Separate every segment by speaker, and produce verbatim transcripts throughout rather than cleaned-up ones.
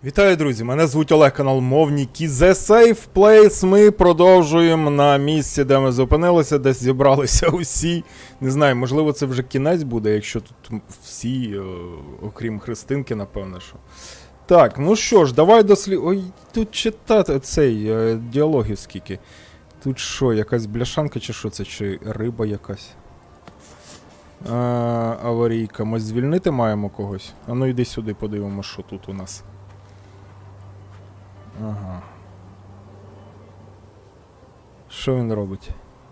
Speaker 1: Вітаю, друзі! Мене звуть Олег, канал Мовніки. The Safe Place. Ми продовжуємо на місці, де ми зупинилися, де зібралися усі. Не знаю, можливо, це вже кінець буде, якщо тут всі, о, окрім Христинки, напевно, що. Так, ну що ж, давай дослід... Ой, тут читати цей е, діалогів скільки. Тут що, якась бляшанка чи що це, чи риба якась? А, аварійка. Ми звільнити маємо когось? А ну йди сюди, подивимося, що тут у нас. Ага. Що він робить?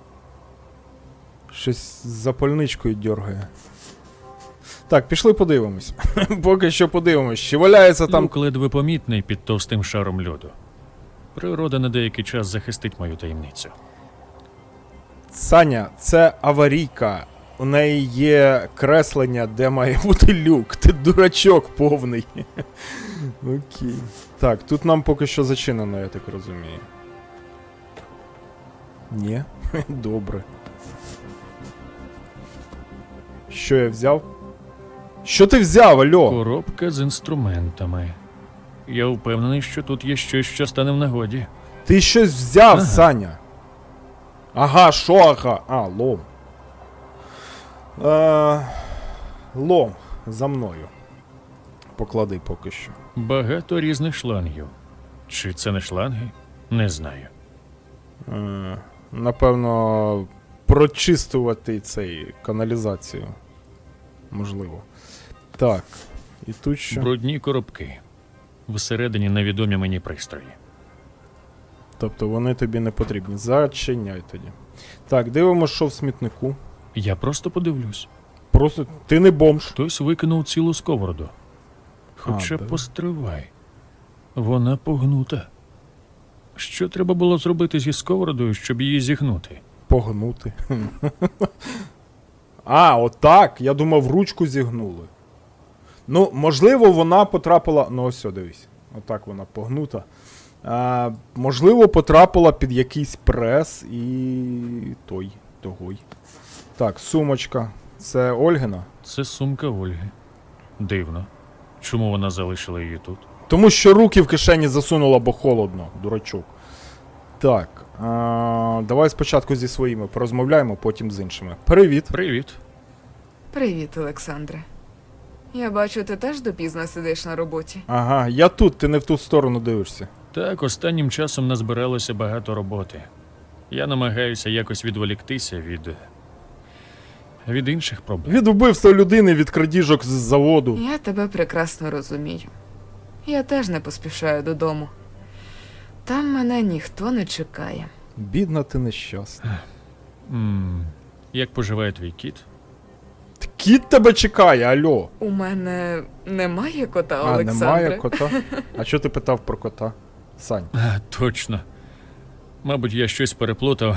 Speaker 1: Щось з запальничкою дьоргає. Так, пішли подивимось. Поки що подивимось, чи валяється там...
Speaker 2: Люк ледве помітний під товстим шаром льоду. Природа на деякий час захистить мою таємницю.
Speaker 1: Саня, це аварійка. У неї є креслення, де має бути люк. Ти дурачок повний. Окей. Так, тут нам поки що зачинено, я так розумію. Ні? Добре. Що я взяв? Що ти взяв, альо?
Speaker 2: Коробка з інструментами. Я впевнений, що тут є щось, що стане в нагоді.
Speaker 1: Ти щось взяв,
Speaker 2: Ага.
Speaker 1: Саня. Ага, що ага? А, лом. Е, лом. За мною. Поклади поки що.
Speaker 2: Багато різних шлангів. Чи це не шланги? Не знаю.
Speaker 1: Е, напевно, прочистувати цей каналізацію. Можливо. Так. І тут що?
Speaker 2: Брудні коробки. Всередині невідомі мені пристрої.
Speaker 1: Тобто вони тобі не потрібні. Зачиняй тоді. Так, дивимося, що в смітнику.
Speaker 2: Я просто подивлюсь.
Speaker 1: Просто ти не бомж.
Speaker 2: Хтось викинув цілу сковороду. Хоча
Speaker 1: А, да.
Speaker 2: постривай. Вона погнута. Що треба було зробити зі сковородою, щоб її зігнути?
Speaker 1: Погнути. А, отак. Я думав, ручку зігнули. Ну, можливо, вона потрапила. Ну, ось, о, дивись. Отак вона погнута. А, можливо, потрапила під якийсь прес і. той, тогой. Так, сумочка. Це Ольгина?
Speaker 2: Це сумка Ольги. Дивно. Чому вона залишила її тут?
Speaker 1: Тому що руки в кишені засунула, бо холодно, дурачок. Так. А, давай спочатку зі своїми порозмовляємо, потім з іншими. Привіт.
Speaker 2: Привіт.
Speaker 3: Привіт, Олександре. Я бачу, ти теж допізно сидиш на роботі.
Speaker 1: Ага, я тут, ти не в ту сторону дивишся.
Speaker 2: Так, останнім часом назбиралося багато роботи. Я намагаюся якось відволіктися від. від інших проблем.
Speaker 1: Від вбивства людини, від крадіжок з заводу.
Speaker 3: Я тебе прекрасно розумію. Я теж не поспішаю додому. Там мене ніхто не чекає.
Speaker 1: Бідна ти нещасна.
Speaker 2: М, Як поживає твій кіт?
Speaker 1: Кіт тебе чекає, альо.
Speaker 3: У мене немає кота,
Speaker 1: А,
Speaker 3: Олександре.
Speaker 1: немає кота? А що ти питав про кота? Сань.
Speaker 2: А, точно. Мабуть, я щось переплутав.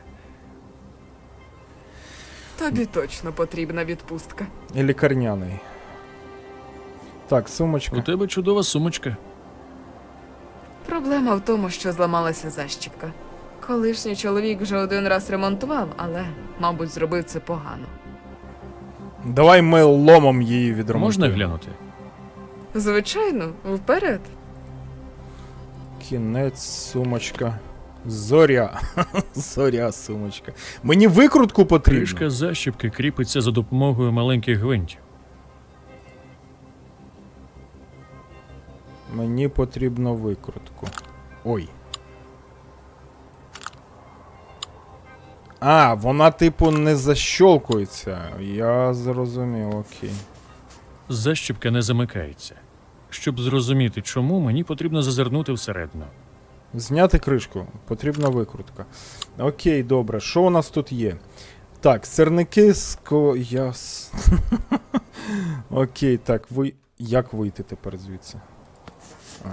Speaker 3: Тобі точно потрібна відпустка.
Speaker 1: І лікарняний. Так,
Speaker 2: У
Speaker 1: сумочка.
Speaker 2: тебе чудова сумочка.
Speaker 3: Проблема в тому, що зламалася защіпка. Колишній чоловік вже один раз ремонтував, але, мабуть, зробив це погано.
Speaker 1: Давай ми ломом її відремонтуємо.
Speaker 2: Можна глянути?
Speaker 3: Звичайно, вперед.
Speaker 1: Кінець, сумочка. Зоря. Зоря, сумочка. Мені викрутку потрібно.
Speaker 2: Кришка защіпки кріпиться за допомогою маленьких гвинтів.
Speaker 1: Мені потрібно викрутку. Ой. А, вона типу не защолкується. Я зрозумів, окей.
Speaker 2: Защіпка не замикається. Щоб зрозуміти, чому, мені потрібно зазирнути всередину.
Speaker 1: Зняти кришку. Потрібна викрутка. Окей, добре. Що у нас тут є? Так, сирники з ко... Яс... Окей, так, ви... Як вийти тепер звідси? А.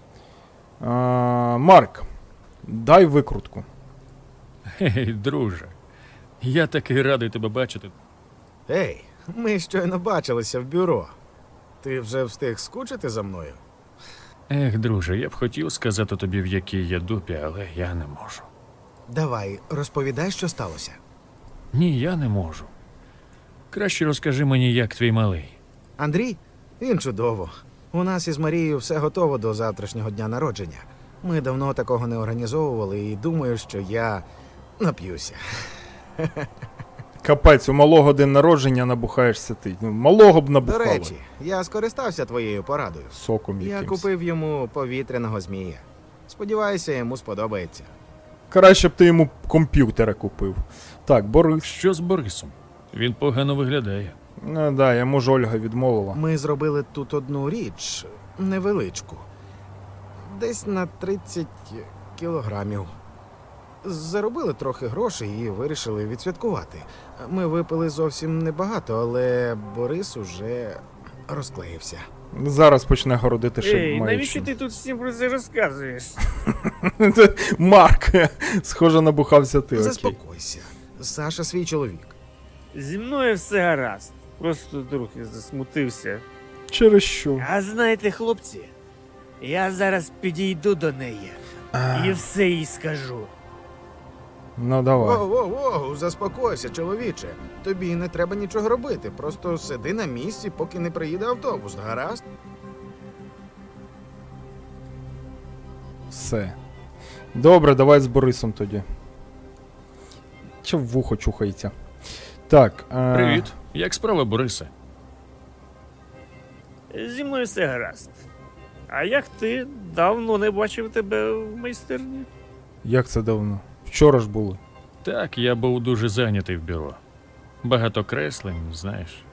Speaker 1: А, Марк, дай викрутку.
Speaker 2: Гей, друже. Я такий радий тебе бачити.
Speaker 4: Ей, ми щойно бачилися в бюро. Ти вже встиг скучити за мною?
Speaker 2: Ех, друже, я б хотів сказати тобі, в якій я дупі, але я не можу.
Speaker 4: Давай, розповідай, що сталося.
Speaker 2: Ні, я не можу. Краще розкажи мені, як твій малий.
Speaker 4: Андрій? Він чудово. У нас із Марією все готово до завтрашнього дня народження. Ми давно такого не організовували і думаю, що я нап'юся.
Speaker 1: Капець, у малого день народження набухаєшся ти. Ну, малого б
Speaker 4: До
Speaker 1: набухали.
Speaker 4: речі, я скористався твоєю порадою.
Speaker 1: Соком
Speaker 4: Я
Speaker 1: якимсь.
Speaker 4: купив йому повітряного змія. Сподіваюся, йому сподобається.
Speaker 1: Краще б ти йому комп'ютера купив. Так, Борис.
Speaker 2: Що з Борисом? Він погано виглядає.
Speaker 1: Ну да, йому ж Ольга відмовила.
Speaker 4: Ми зробили тут одну річ, невеличку. Десь на тридцять кілограмів. Заробили трохи грошей і вирішили відсвяткувати. Ми випили зовсім небагато, але Борис уже розклеївся.
Speaker 1: Зараз почне городити ще
Speaker 5: Ей,
Speaker 1: маючим.
Speaker 5: навіщо ти тут всім про це розказуєш?
Speaker 1: Марк, схоже, набухався ти. Окей.
Speaker 4: Заспокойся. Саша свій чоловік.
Speaker 5: Зі мною все гаразд. Просто трохи засмутився.
Speaker 1: Через що?
Speaker 5: А знаєте, хлопці, я зараз підійду до неї
Speaker 1: А,
Speaker 5: і все їй скажу.
Speaker 1: ну давай.
Speaker 4: Воу-воу-воу, заспокойся, чоловіче. Тобі не треба нічого робити. Просто сиди на місці, поки не приїде автобус, гаразд?
Speaker 1: Все. Добре, давай з Борисом тоді. Чи в вухо чухається? Так. А...
Speaker 2: Привіт. Як справа, Борисе?
Speaker 5: Зі мною все гаразд. А як ти? Давно не бачив тебе в майстерні.
Speaker 1: Як це давно? Вчора ж були.
Speaker 2: Так, я був дуже зайнятий в бюро. Багато креслень, знаєш.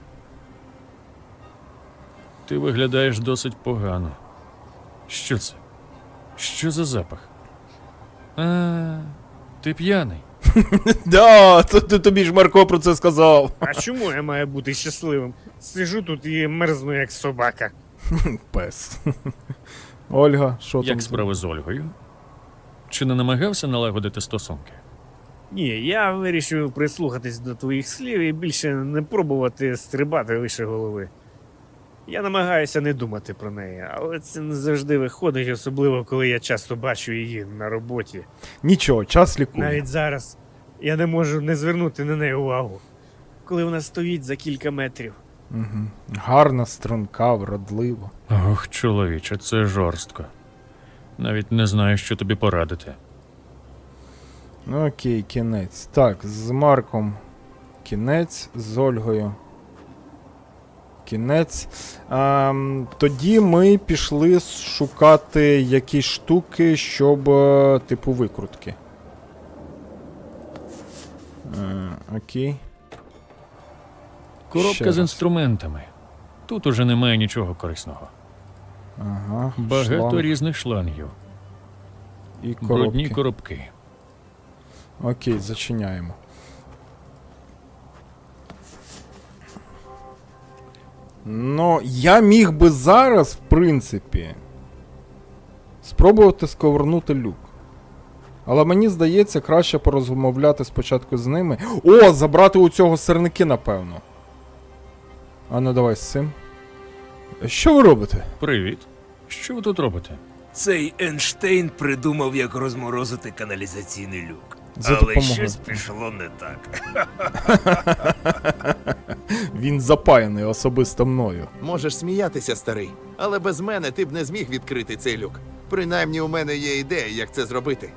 Speaker 2: Ти виглядаєш досить погано. Що це? Що за запах? А, ти п'яний.
Speaker 1: Да, то, то, тобі ж Марко про це сказав.
Speaker 5: А чому я маю бути щасливим? Сижу тут і мерзну, як собака.
Speaker 1: Пес. Ольга, що там?
Speaker 2: Як справи з Ольгою? Чи не намагався налагодити стосунки?
Speaker 5: Ні, я вирішив прислухатись до твоїх слів і більше не пробувати стрибати лише голови. Я намагаюся не думати про неї, але це не завжди виходить, особливо коли я часто бачу її на роботі.
Speaker 1: Нічого, час лікує.
Speaker 5: Навіть зараз я не можу не звернути на неї увагу, коли вона стоїть за кілька метрів.
Speaker 1: Угу. Гарна, струнка, вродлива.
Speaker 2: Ох, чоловіче, це жорстко. Навіть не знаю, що тобі порадити.
Speaker 1: Ну, окей, кінець. Так, з Марком кінець, з Ольгою кінець. Ем, тоді ми пішли шукати якісь штуки, щоб, е, типу, викрутки. Е, окей. Ще
Speaker 2: Коробка
Speaker 1: раз.
Speaker 2: з інструментами. Тут уже немає нічого корисного.
Speaker 1: Ага,
Speaker 2: Багато
Speaker 1: шланг
Speaker 2: різних шлангів.
Speaker 1: і
Speaker 2: Брудні
Speaker 1: коробки.
Speaker 2: коробки.
Speaker 1: Окей, зачиняємо. Ну, я міг би зараз, в принципі, спробувати сковернути люк. Але мені здається, краще порозмовляти спочатку з ними. О, забрати у цього сирники, напевно. А ну давай з цим. Що ви робите?
Speaker 2: Привіт. Що ви тут робите?
Speaker 6: Цей Ейнштейн придумав, як розморозити каналізаційний люк.
Speaker 1: За
Speaker 6: Але
Speaker 1: допомогою.
Speaker 6: щось пішло не так.
Speaker 1: Він запаяний особисто мною.
Speaker 7: Можеш сміятися, старий, але без мене ти б не зміг відкрити цей люк. Принаймні у мене є ідея, як це зробити.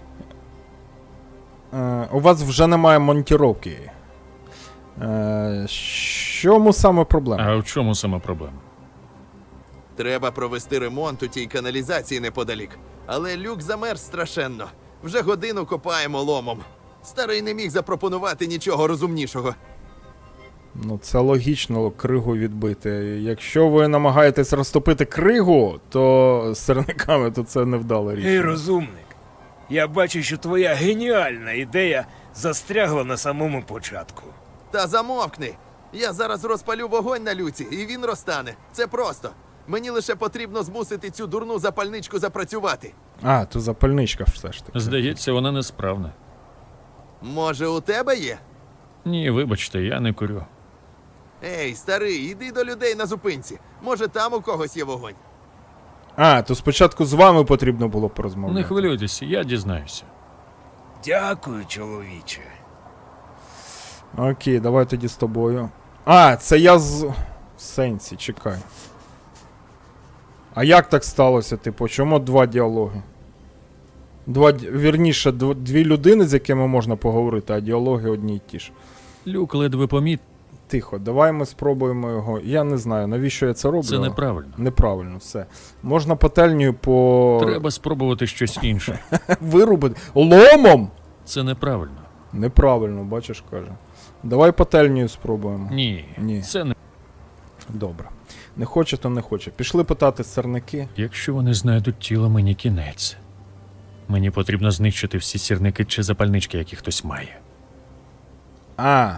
Speaker 1: Е, у вас вже немає монтіровки. Е, чому саме проблема?
Speaker 2: А в чому саме проблема?
Speaker 7: Треба провести ремонт у тій каналізації неподалік. Але люк замерз страшенно. Вже годину копаємо ломом. Старий не міг запропонувати нічого розумнішого.
Speaker 1: Ну, це логічно кригу відбити. Якщо ви намагаєтесь розтопити кригу, то з сирниками то це невдала річ.
Speaker 6: Гей, розумник, я бачу, що твоя геніальна ідея застрягла на самому початку.
Speaker 7: Та замовкни! Я зараз розпалю вогонь на люці, і він розтане. Це просто. Мені лише потрібно змусити цю дурну запальничку запрацювати.
Speaker 1: А, то запальничка все ж таки.
Speaker 2: Здається, вона несправна.
Speaker 7: Може, у тебе є?
Speaker 2: Ні, вибачте, я не курю.
Speaker 7: Ей, старий, іди до людей на зупинці. Може, там у когось є вогонь.
Speaker 1: А, то спочатку з вами потрібно було порозмовляти.
Speaker 2: Не хвилюйтесь, я дізнаюся.
Speaker 6: Дякую, чоловіче.
Speaker 1: Окей, давай тоді з тобою. А, це я з... В сенсі, чекай. А як так сталося, типу, чому два діалоги? Два, ді- вірніше, дв- дві людини, з якими можна поговорити, а діалоги одні й ті ж.
Speaker 2: Люк ледве поміт.
Speaker 1: Тихо, давай ми спробуємо його. Я не знаю, навіщо я це роблю.
Speaker 2: Це неправильно.
Speaker 1: Неправильно, все. Можна пательнею по...
Speaker 2: Треба спробувати щось інше.
Speaker 1: вирубити. Ломом!
Speaker 2: Це неправильно.
Speaker 1: Неправильно, бачиш, каже. Давай пательнею спробуємо.
Speaker 2: Ні,
Speaker 1: Ні.
Speaker 2: це не.
Speaker 1: Добре. Не хоче, то не хоче. Пішли питати сирники.
Speaker 2: Якщо вони знайдуть тіло, мені кінець. Мені потрібно знищити всі сірники чи запальнички, які хтось має.
Speaker 1: А.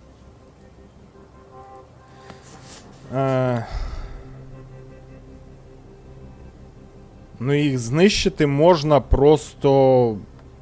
Speaker 1: Е... Ну, їх знищити можна просто.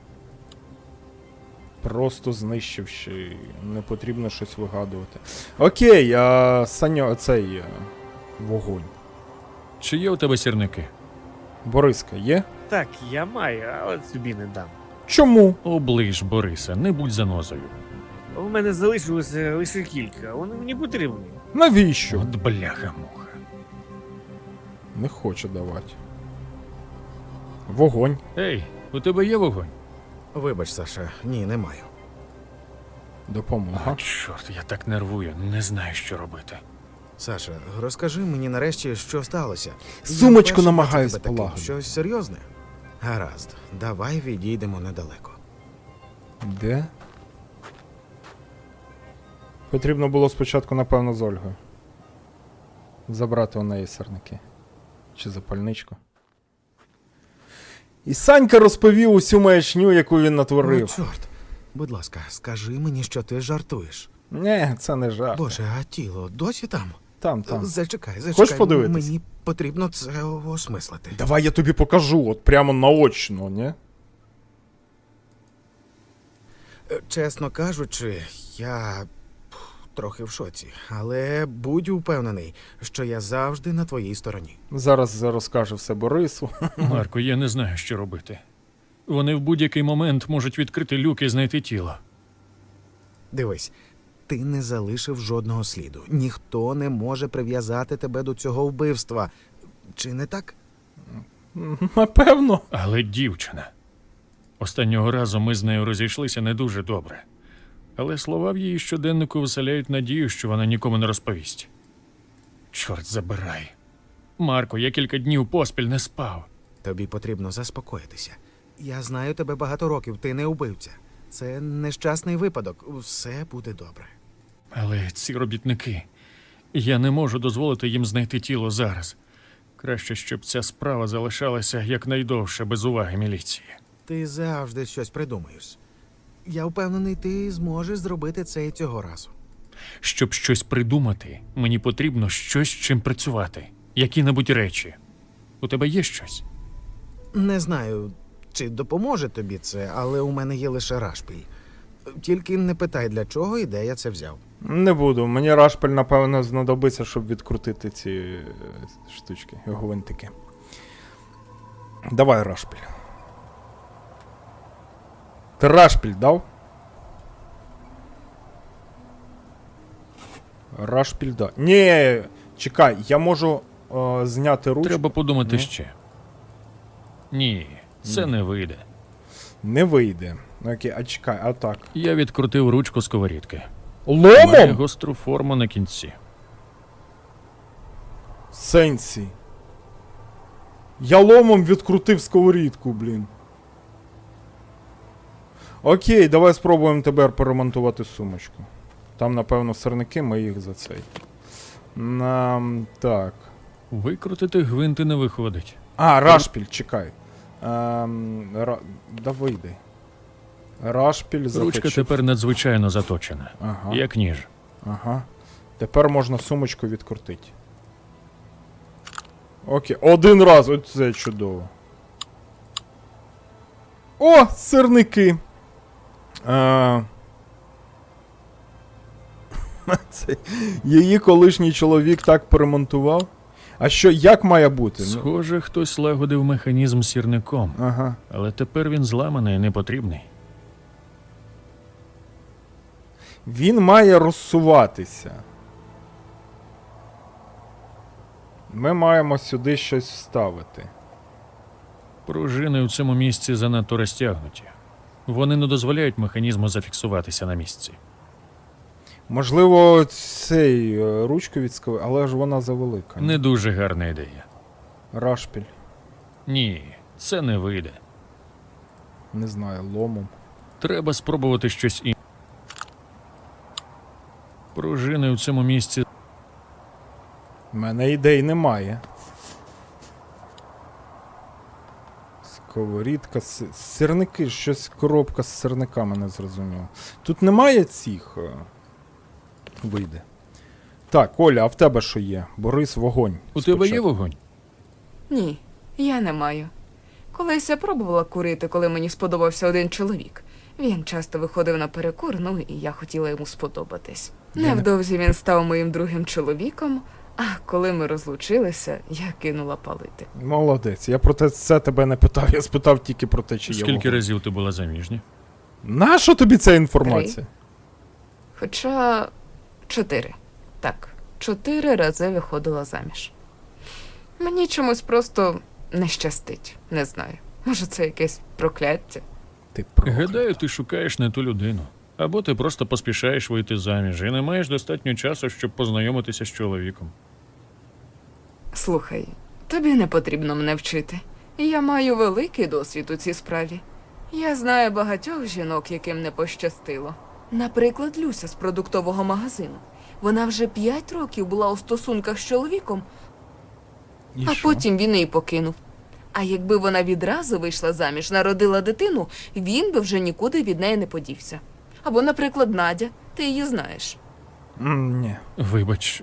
Speaker 1: Просто знищивши. Не потрібно щось вигадувати. Окей, а Саньо, цей е, вогонь.
Speaker 2: Чи є у тебе сірники?
Speaker 1: Бориска, є?
Speaker 5: Так, я маю, але тобі не дам.
Speaker 1: Чому?
Speaker 2: Оближ, Бориса, не будь занозою.
Speaker 5: У мене залишилося лише кілька, вони мені потрібні.
Speaker 1: Навіщо?
Speaker 2: От бляха-муха.
Speaker 1: Не хоче давати. Вогонь.
Speaker 2: Ей, у тебе є вогонь?
Speaker 4: Вибач, Саша, ні, не маю.
Speaker 1: Допомога.
Speaker 2: А, чорт, я так нервую, не знаю, що робити.
Speaker 4: Саша, розкажи мені нарешті, що сталося.
Speaker 1: Сумочку
Speaker 4: Я вперше
Speaker 1: намагаюсь
Speaker 4: бачу тебе таким.
Speaker 1: полагодити.
Speaker 4: Щось серйозне? Гаразд, давай відійдемо недалеко.
Speaker 1: Де? Потрібно було спочатку, напевно, з Ольгою. Забрати у неї сирники. Чи запальничку. І Санька розповів усю маячню, яку він
Speaker 4: Ну,
Speaker 1: натворив.
Speaker 4: чорт. Будь ласка, скажи мені, що ти жартуєш.
Speaker 1: Ні, це не жарт.
Speaker 4: Боже, а тіло досі там?
Speaker 1: Там, там.
Speaker 4: Зачекай, зачекай.
Speaker 1: Хочеш подивитись?
Speaker 4: Мені потрібно це осмислити.
Speaker 1: Давай я тобі покажу, от прямо наочно, ні?
Speaker 4: Е, Чесно кажучи, я пф, трохи в шоці, але будь упевнений, що я завжди на твоїй стороні.
Speaker 1: Зараз розкаже все Борису.
Speaker 2: Марко, я не знаю, що робити. Вони в будь-який момент можуть відкрити люк і знайти тіло.
Speaker 4: Дивись, ти не залишив жодного сліду. Ніхто не може прив'язати тебе до цього вбивства. Чи не так?
Speaker 1: Напевно.
Speaker 2: Але дівчина. Останнього разу ми з нею розійшлися не дуже добре. Але слова в її щоденнику вселяють надію, що вона нікому не розповість. Чорт забирай. Марко, я кілька днів поспіль не спав.
Speaker 4: Тобі потрібно заспокоїтися. Я знаю тебе багато років, ти не вбивця. Це нещасний випадок, все буде добре.
Speaker 2: Але ці робітники. Я не можу дозволити їм знайти тіло зараз. Краще, щоб ця справа залишалася якнайдовше без уваги міліції.
Speaker 4: Ти завжди щось придумаєш. Я впевнений, ти зможеш зробити це і цього разу.
Speaker 2: Щоб щось придумати, мені потрібно щось, з чим працювати. Які-небудь речі. У тебе є щось?
Speaker 4: Не знаю, чи допоможе тобі це, але у мене є лише рашпіль. Тільки не питай, для чого і де я це взяв.
Speaker 1: Не буду. Мені рашпиль, напевно, знадобиться, щоб відкрутити ці е, штучки, гвинтики. Давай рашпиль. Ти рашпиль дав? Рашпиль дав. Ні, чекай, я можу е, зняти ручку.
Speaker 2: Треба подумати
Speaker 1: Ні.
Speaker 2: ще. Ні, це не вийде.
Speaker 1: Не вийде. Окей, а чекай, а так.
Speaker 2: Я відкрутив ручку сковорідки. Має
Speaker 1: Ломом?
Speaker 2: гостру форму на кінці.
Speaker 1: Сенсі. Я ломом відкрутив сковорідку, блін. Окей, давай спробуємо тепер поремонтувати сумочку. Там, напевно, сирники, ми їх за цей. Нам. Так.
Speaker 2: Викрутити гвинти не виходить.
Speaker 1: А, рашпіль, чекай. Ем, ра... Да вийди. Рашпіль
Speaker 2: Ручка
Speaker 1: захочу.
Speaker 2: тепер надзвичайно заточена.
Speaker 1: Ага.
Speaker 2: Як ніж.
Speaker 1: Ага. Тепер можна сумочку відкрутити. Окей, один раз, оце чудово. О, сирники! А... Це її колишній чоловік так поремонтував. А що, як має бути? Ну,
Speaker 2: Схоже, хтось лагодив механізм сірником.
Speaker 1: ага.
Speaker 2: Але тепер він зламаний і непотрібний.
Speaker 1: Він має розсуватися. Ми маємо сюди щось вставити.
Speaker 2: Пружини у цьому місці занадто розтягнуті. Вони не дозволяють механізму зафіксуватися на місці.
Speaker 1: Можливо, цей е, ручку відскови, але ж вона завелика.
Speaker 2: Не дуже гарна ідея.
Speaker 1: Рашпіль.
Speaker 2: Ні, це не вийде.
Speaker 1: Не знаю, ломом.
Speaker 2: Треба спробувати щось інше. Пружини у цьому місці.
Speaker 1: У мене ідей немає. Сковорідка, си- сирники, щось коробка з сирниками не зрозуміло. Тут немає цих. е, Вийде. Так, Оля, а в тебе що є? Борис, вогонь.
Speaker 2: У тебе є
Speaker 1: спочатку.
Speaker 2: вогонь?
Speaker 3: Ні, я не маю. Колись я пробувала курити, коли мені сподобався один чоловік. Він часто виходив на перекур, ну і я хотіла йому сподобатись.
Speaker 1: Я не-
Speaker 3: Невдовзі він став моїм другим чоловіком, а коли ми розлучилися, я кинула палити.
Speaker 1: Молодець. Я про те це тебе не питав, я спитав тільки про те, чи є
Speaker 2: Скільки
Speaker 1: вогонь.
Speaker 2: разів ти була заміжня?
Speaker 1: Нащо тобі ця інформація?
Speaker 3: Хоча чотири. Так, чотири рази виходила заміж. Мені чомусь просто не щастить. Не знаю. Може, це якесь прокляття.
Speaker 1: Ти про.
Speaker 2: Гадаю, ти шукаєш не ту людину. Або ти просто поспішаєш вийти заміж і не маєш достатньо часу, щоб познайомитися з чоловіком.
Speaker 3: Слухай, тобі не потрібно мене вчити. Я маю великий досвід у цій справі. Я знаю багатьох жінок, яким не пощастило. Наприклад, Люся з продуктового магазину. Вона вже п'ять років була у стосунках з чоловіком,
Speaker 1: І
Speaker 3: а
Speaker 1: що?
Speaker 3: потім він її покинув. А якби вона відразу вийшла заміж, народила дитину, він би вже нікуди від неї не подівся. Або, наприклад, Надя, ти її знаєш.
Speaker 1: М, ні.
Speaker 2: Вибач,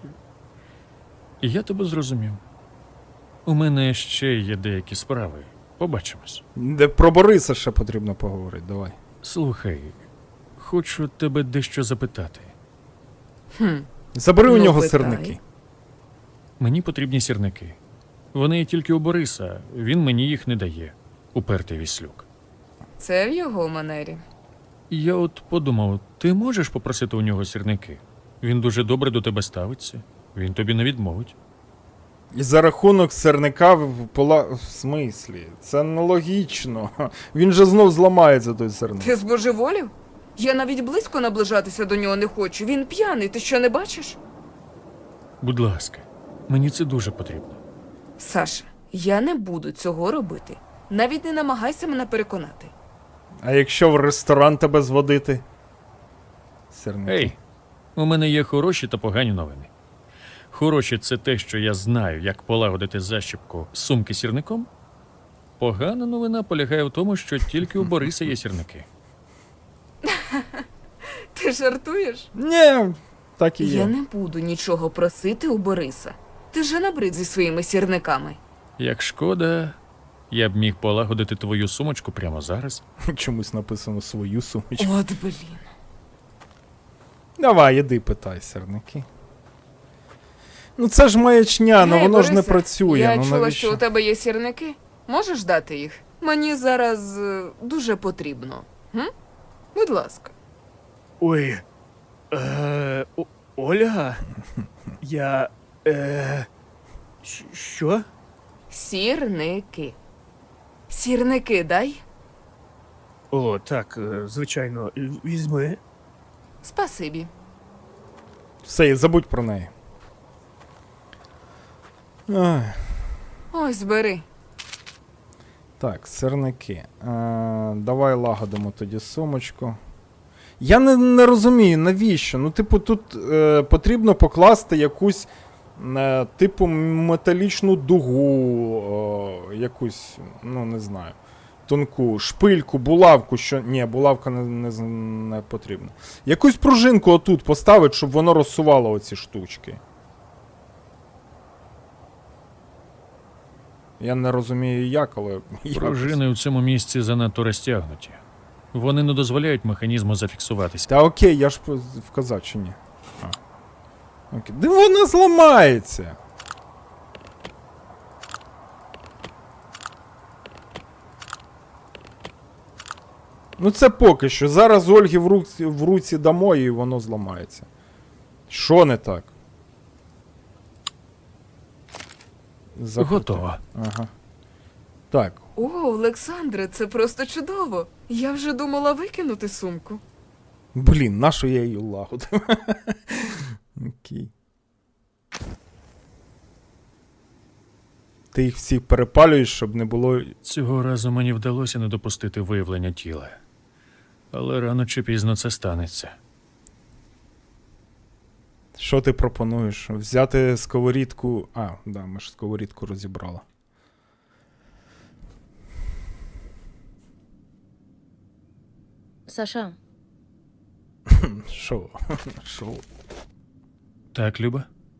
Speaker 2: я тебе зрозумів. У мене ще є деякі справи. Побачимось.
Speaker 1: Де про Бориса ще потрібно поговорити, давай.
Speaker 2: Слухай, хочу тебе дещо запитати.
Speaker 3: Хм,
Speaker 1: Забери у
Speaker 3: Ну,
Speaker 1: нього
Speaker 3: питай.
Speaker 1: сирники.
Speaker 2: Мені потрібні сірники. Вони є тільки у Бориса, він мені їх не дає. Упертий віслюк.
Speaker 3: це в його манері.
Speaker 2: І я от подумав, ти можеш попросити у нього сірники? Він дуже добре до тебе ставиться. Він тобі не відмовить.
Speaker 1: І за рахунок сирника в пола. В смислі? Це нелогічно. Він же знов зламається той сирник.
Speaker 3: Ти збожеволів? Я навіть близько наближатися до нього не хочу. Він п'яний, ти що не бачиш?
Speaker 2: Будь ласка, мені це дуже потрібно.
Speaker 3: Саша, я не буду цього робити. Навіть не намагайся мене переконати.
Speaker 1: А якщо в ресторан тебе зводити? Сирники.
Speaker 2: Ей, у мене є хороші та погані новини. Хороші – це те, що я знаю, як полагодити защіпку сумки сірником. Погана новина полягає в тому, що тільки у Бориса є сірники.
Speaker 3: Ти жартуєш?
Speaker 1: Ні, так і є.
Speaker 3: Я не буду нічого просити у Бориса. Ти вже набрид зі своїми сірниками.
Speaker 2: Як шкода, я б міг полагодити твою сумочку прямо зараз.
Speaker 1: Чомусь написано свою сумочку.
Speaker 3: От блін.
Speaker 1: Давай, іди питай сирники. Ну це ж маячня, ну
Speaker 3: Гей,
Speaker 1: воно ж не
Speaker 3: Борисе,
Speaker 1: працює.
Speaker 3: Я
Speaker 1: ну
Speaker 3: чула,
Speaker 1: навіщо?
Speaker 3: що у тебе є сірники. Можеш дати їх? Мені зараз е, дуже потрібно. М? Будь ласка.
Speaker 5: Ой. Е, О- Оля? Я. Е, щ- що?
Speaker 3: Сірники. Сірники дай.
Speaker 5: О, так, е, звичайно, візьми.
Speaker 3: Спасибі.
Speaker 1: Все, і забудь про неї. Ай.
Speaker 3: Ось бери.
Speaker 1: Так, сирники. Е, давай лагодимо тоді сумочку. Я не, не розумію, навіщо? Ну, типу, тут е, потрібно покласти якусь, е, типу, металічну дугу, е, якусь, ну, не знаю, тонку, шпильку, булавку, що. Ні, булавка не, не, з- не потрібна. Якусь пружинку отут поставити, щоб воно розсувало оці штучки. Я не розумію як, але. якось.
Speaker 2: Пружини у цьому місці занадто розтягнуті. Вони не дозволяють механізму зафіксуватися.
Speaker 1: Та окей, я ж по- вказав чи ні. А. Окей. Да вона зламається. Ну це поки що. Зараз Ольгі в руці, в руці дамо і воно зламається. Що не так? Закрути.
Speaker 2: Готово.
Speaker 1: Ага. Так.
Speaker 3: О, Олександре, це просто чудово. Я вже думала викинути сумку.
Speaker 1: Блін, нащо я її лагодив? Окей. Ти їх всі перепалюєш, щоб не було.
Speaker 2: Цього разу мені вдалося не допустити виявлення тіла. Але рано чи пізно це станеться.
Speaker 1: Що ти пропонуєш? Взяти сковорідку. А, да, ми ж сковорідку розібрали.
Speaker 8: Саша,
Speaker 1: Що? Що?
Speaker 2: Так, Люба?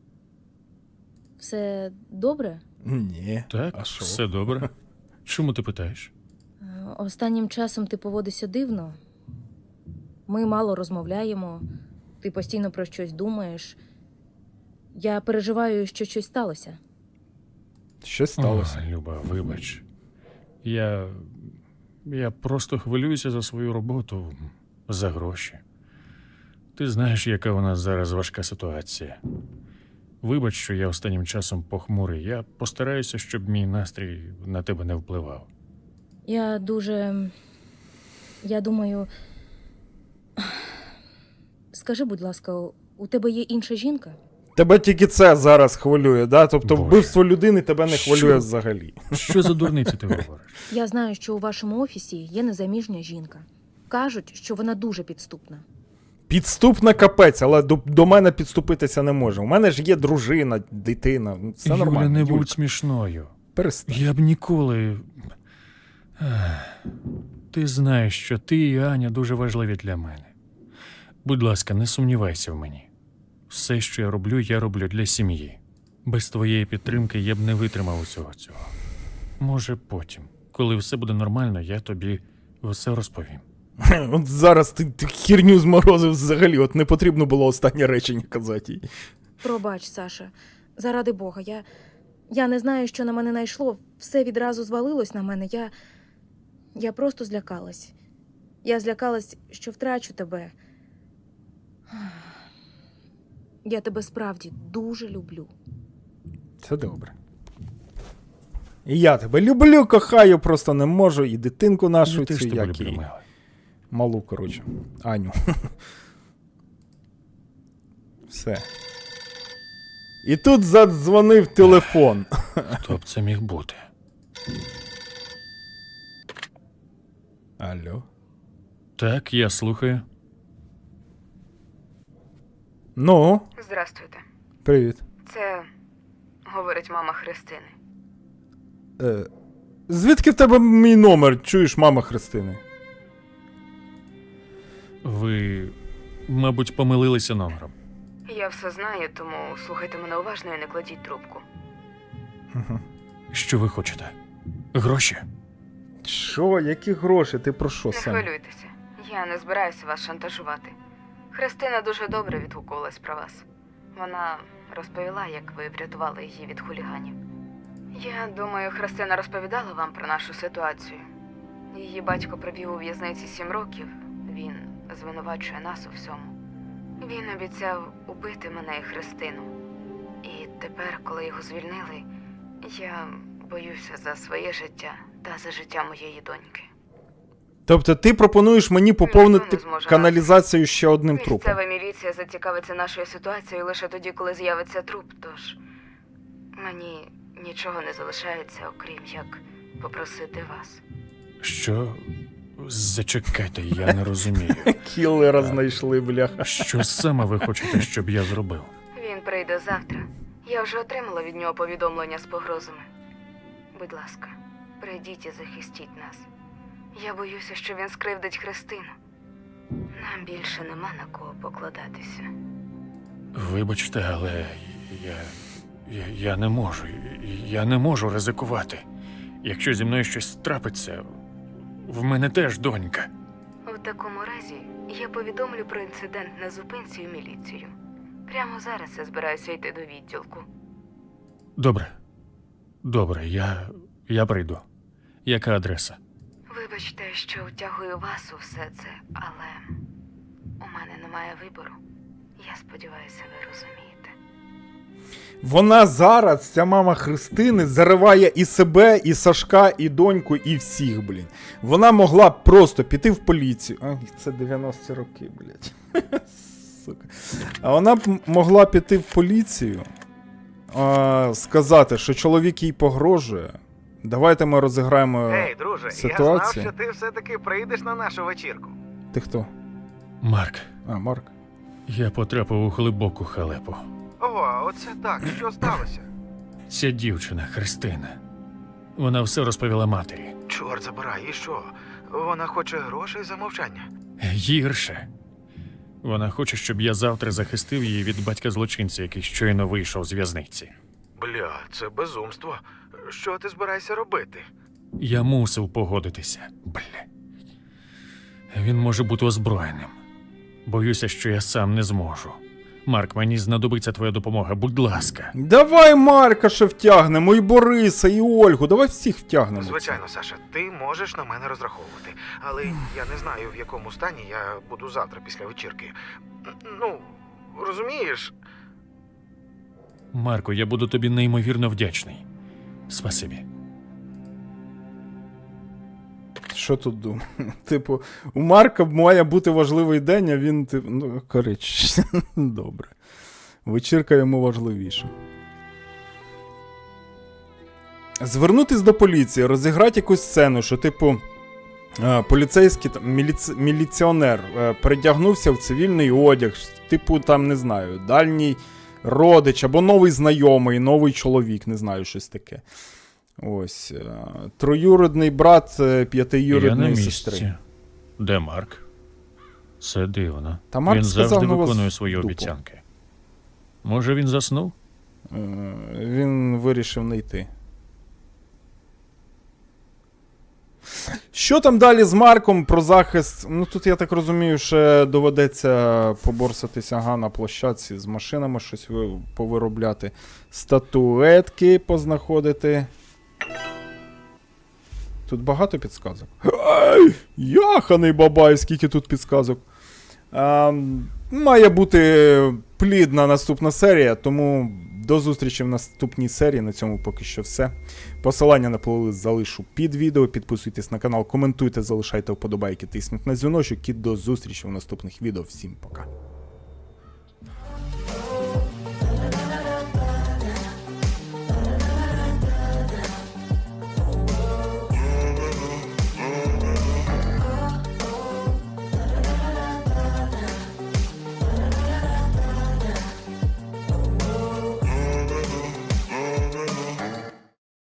Speaker 8: все добре?
Speaker 1: Ні.
Speaker 2: Так,
Speaker 1: А що?
Speaker 2: все добре. Чому ти питаєш?
Speaker 8: Е, Останнім часом ти поводишся дивно. Ми мало розмовляємо, ти постійно про щось думаєш. Я переживаю, що щось сталося.
Speaker 1: Що сталося?
Speaker 2: О, Люба, вибач. Я. Я просто хвилююся за свою роботу, за гроші. Ти знаєш, яка у нас зараз важка ситуація. Вибач, що я останнім часом похмурий. Я постараюся, щоб мій настрій на тебе не впливав.
Speaker 8: Я дуже. Я думаю. Скажи, будь ласка, у тебе є інша жінка?
Speaker 1: Тебе тільки це зараз хвилює, да? Тобто
Speaker 2: Боже.
Speaker 1: вбивство людини тебе не хвилює
Speaker 2: Що?
Speaker 1: взагалі.
Speaker 2: Що за дурниці ти говориш?
Speaker 8: Я знаю, що у вашому офісі є незаміжня жінка. Кажуть, що вона дуже підступна.
Speaker 1: Підступна капець, але до, до мене підступитися не може. У мене ж є дружина, дитина. Ну, Все
Speaker 2: Юля,
Speaker 1: нормально.
Speaker 2: не
Speaker 1: Юлька,
Speaker 2: будь смішною.
Speaker 1: перестань.
Speaker 2: Я б ніколи. Ех, Ти знаєш, що ти і Аня дуже важливі для мене. Будь ласка, не сумнівайся в мені. Все, що я роблю, я роблю для сім'ї. Без твоєї підтримки я б не витримав усього цього. Може, потім, коли все буде нормально, я тобі все розповім.
Speaker 1: От зараз ти, ти херню зморозив взагалі, от не потрібно було останнє речення казати їй.
Speaker 8: Пробач, Саша. Заради Бога, я. Я не знаю, що на мене найшло. Все відразу звалилось на мене. Я. Я просто злякалась. Я злякалась, що втрачу тебе. Я тебе справді дуже люблю.
Speaker 1: Це добре. І я тебе люблю, кохаю, просто не можу. І дитинку нашу
Speaker 2: Я теж
Speaker 1: цю,
Speaker 2: тебе
Speaker 1: як
Speaker 2: люблю,
Speaker 1: і
Speaker 2: мила.
Speaker 1: малу, коротше. Аню. Все. І тут задзвонив телефон.
Speaker 2: Хто б це міг бути?
Speaker 1: Алло.
Speaker 2: Так, я слухаю.
Speaker 1: Ну,
Speaker 3: Здрастуйте.
Speaker 1: привіт.
Speaker 3: Це говорить мама Христини.
Speaker 1: Е, звідки в тебе мій номер? Чуєш, мама Христини?
Speaker 2: Ви, мабуть, помилилися номером.
Speaker 3: Я все знаю, тому слухайте мене уважно і не кладіть трубку.
Speaker 1: Угу.
Speaker 2: Що ви хочете? Гроші?
Speaker 1: Що? Які гроші? Ти про що,
Speaker 3: Не
Speaker 1: Саня?
Speaker 3: хвилюйтеся, я не збираюся вас шантажувати. Христина дуже добре відгукувалась про вас. Вона розповіла, як ви врятували її від хуліганів. Я думаю, Христина розповідала вам про нашу ситуацію. Її батько провів у в'язниці сім років. Він звинувачує нас у всьому. Він обіцяв убити мене і Христину. І тепер, коли його звільнили, я боюся за своє життя та за життя моєї доньки.
Speaker 1: Тобто ти пропонуєш мені поповнити
Speaker 3: Ніхто не зможе
Speaker 1: каналізацію ще одним трупом?
Speaker 3: Місцева міліція зацікавиться нашою ситуацією лише тоді, коли з'явиться труп, тож мені нічого не залишається, окрім як попросити вас.
Speaker 2: Що? Зачекайте, я не розумію.
Speaker 1: Кіллера знайшли, бляха.
Speaker 2: Що саме ви хочете, щоб я зробив?
Speaker 3: Він прийде завтра. Я вже отримала від нього повідомлення з погрозами. Будь ласка, прийдіть і захистіть нас. Я боюся, що він скривдить Христину. Нам більше нема на кого покладатися.
Speaker 2: Вибачте, але я, я, я не можу. Я не можу ризикувати. Якщо зі мною щось трапиться, в мене теж донька.
Speaker 3: У такому разі я повідомлю про інцидент на зупинці у міліцію. Прямо зараз я збираюся йти до відділку.
Speaker 2: Добре. Добре, я, я прийду. Яка адреса?
Speaker 3: Вибачте, що втягую вас у все це, але у мене немає вибору. Я сподіваюся, ви розумієте.
Speaker 1: Вона зараз, ця мама Христини, зариває і себе, і Сашка, і доньку, і всіх, блін. Вона могла б просто піти в поліцію. А, це дев'яності роки, блядь. Сука. А вона б могла піти в поліцію, а, сказати, що чоловік їй погрожує. Давайте ми розіграємо
Speaker 4: Ей, друже,
Speaker 1: ситуацію.
Speaker 4: я знав, що ти все-таки прийдеш на нашу вечірку.
Speaker 1: Ти хто?
Speaker 2: Марк,
Speaker 1: А, Марк.
Speaker 2: я потрапив у глибоку халепу.
Speaker 4: Ого, оце так, що сталося?
Speaker 2: Ця дівчина, Христина. Вона все розповіла матері.
Speaker 4: Чорт забирай, і що? Вона хоче грошей за мовчання.
Speaker 2: Гірше. Вона хоче, щоб я завтра захистив її від батька злочинця, який щойно вийшов з в'язниці.
Speaker 4: Бля, це безумство. Що ти збираєшся робити?
Speaker 2: Я мусив погодитися. Бля. Він може бути озброєним. Боюся, що я сам не зможу. Марк, мені знадобиться твоя допомога, будь ласка.
Speaker 1: Давай Марка ще втягнемо, і Бориса, і Ольгу, давай всіх втягнемо. в це.
Speaker 4: Звичайно, Саша, ти можеш на мене розраховувати. Але я не знаю, в якому стані я буду завтра після вечірки. Ну, розумієш?
Speaker 2: Марко, я буду тобі неймовірно вдячний. Спасибі.
Speaker 1: Що тут думаю? Типу, у Марка має бути важливий день, а він, типу, ну, коротше, добре. Вечірка йому важливіша. Звернутись до поліції, розіграти якусь сцену, що, типу, е, поліцейський, там, міліці... міліціонер е, передягнувся в цивільний одяг, типу, там, не знаю, дальній родич, або новий знайомий, новий чоловік, не знаю, щось таке. Ось. е, Троюрідний брат е,
Speaker 2: Я на
Speaker 1: п'ятиюрідної
Speaker 2: місці.
Speaker 1: сестри.
Speaker 2: Де Марк? Це дивно.
Speaker 1: Та Марк
Speaker 2: він
Speaker 1: сказав
Speaker 2: завжди
Speaker 1: на вас
Speaker 2: виконує свої
Speaker 1: дупу.
Speaker 2: обіцянки. Може, він заснув?
Speaker 1: Е, Він вирішив не йти. Що там далі з Марком про захист? Ну тут, я так розумію, ще доведеться поборсатися ага, на площадці з машинами, щось ви- повиробляти. Статуетки познаходити. Тут багато підсказок. Ай, яханий бабай, скільки тут підсказок. А, має бути плідна наступна серія, тому до зустрічі в наступній серії. На цьому поки що все. Посилання на плейлист залишу під відео. Підписуйтесь на канал, коментуйте, залишайте вподобайки, тисніть на дзвіночок і до зустрічі в наступних відео. Всім пока.